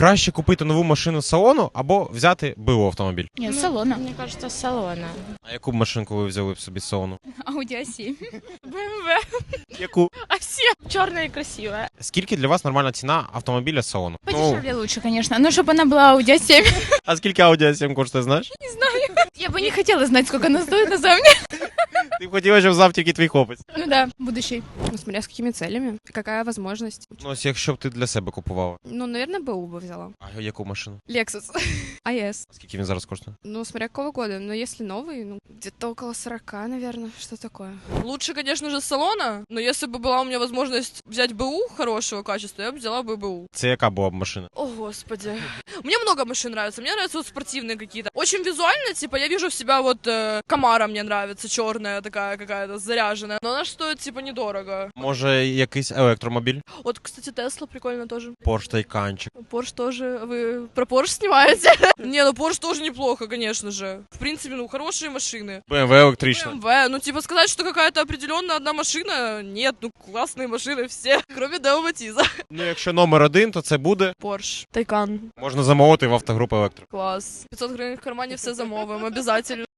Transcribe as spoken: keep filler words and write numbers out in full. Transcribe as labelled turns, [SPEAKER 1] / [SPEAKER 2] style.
[SPEAKER 1] Краще купити нову машину з салону або взяти БУ автомобіль?
[SPEAKER 2] Нет, салона.
[SPEAKER 3] Мне кажется, с салона.
[SPEAKER 1] А яку б машинку ви взяли б собі з салону?
[SPEAKER 2] Audi а сім.
[SPEAKER 3] бэ эм вэ.
[SPEAKER 1] Яку?
[SPEAKER 3] А все черная и красивая.
[SPEAKER 1] Скільки для вас нормальна ціна автомобіля з салону?
[SPEAKER 2] Подешевле лучше, конечно. Но чтобы она была Audi а сім.
[SPEAKER 1] А скільки Audi а сім коштує, знаєш?
[SPEAKER 2] Я бы не хотела знать, сколько она стоит на самом деле.
[SPEAKER 1] Ти б хотіла, щоб знав тільки твій хлопець.
[SPEAKER 2] Ну да, будущий.
[SPEAKER 4] Ну, смотря с какими целями, какая возможность.
[SPEAKER 1] Ну, ось якщо б ти для себе купувала.
[SPEAKER 4] Ну, наверное, БУ бы взяла.
[SPEAKER 1] А яку машину?
[SPEAKER 4] Lexus. АЭС.
[SPEAKER 1] А скільки він зараз коштує?
[SPEAKER 4] Ну, смотря какого года. Но если новый, ну, где-то около сорока, наверное. Что такое?
[SPEAKER 5] Лучше, конечно же, с салона, но если бы была у меня возможность взять БУ хорошего качества, я бы взяла бы БУ.
[SPEAKER 1] Це яка була б машина?
[SPEAKER 5] О, господи. Мне много машин нравится. Мне нравятся вот спортивные какие-то. Очень визуально, типа, я вижу в себя вот э, Камара мне нравится, черная такая какая-то, заряженная. Но она ж стоит, типа, недорого.
[SPEAKER 1] Може, якийсь електромобіль?
[SPEAKER 5] Вот, кстати, Тесла прикольно тоже.
[SPEAKER 1] Порш Тайканчик.
[SPEAKER 5] Порш тоже. Вы про Порш снимаете? Не, ну Порш тоже неплохо, конечно же. В принципе, ну, хорошие машины.
[SPEAKER 1] бэ эм вэ електрична.
[SPEAKER 5] бэ эм вэ, ну, типа, сказать, что какая-то определенная одна машина, нет, ну, классные машины все, кроме Део Матиза.
[SPEAKER 1] Ну, якщо номер один, то це буде.
[SPEAKER 5] Порш, Тайкан,
[SPEAKER 1] Можна замовити в автогрупи Електро.
[SPEAKER 5] класс. пятьсот гривен в кармане все замовим, обязательно.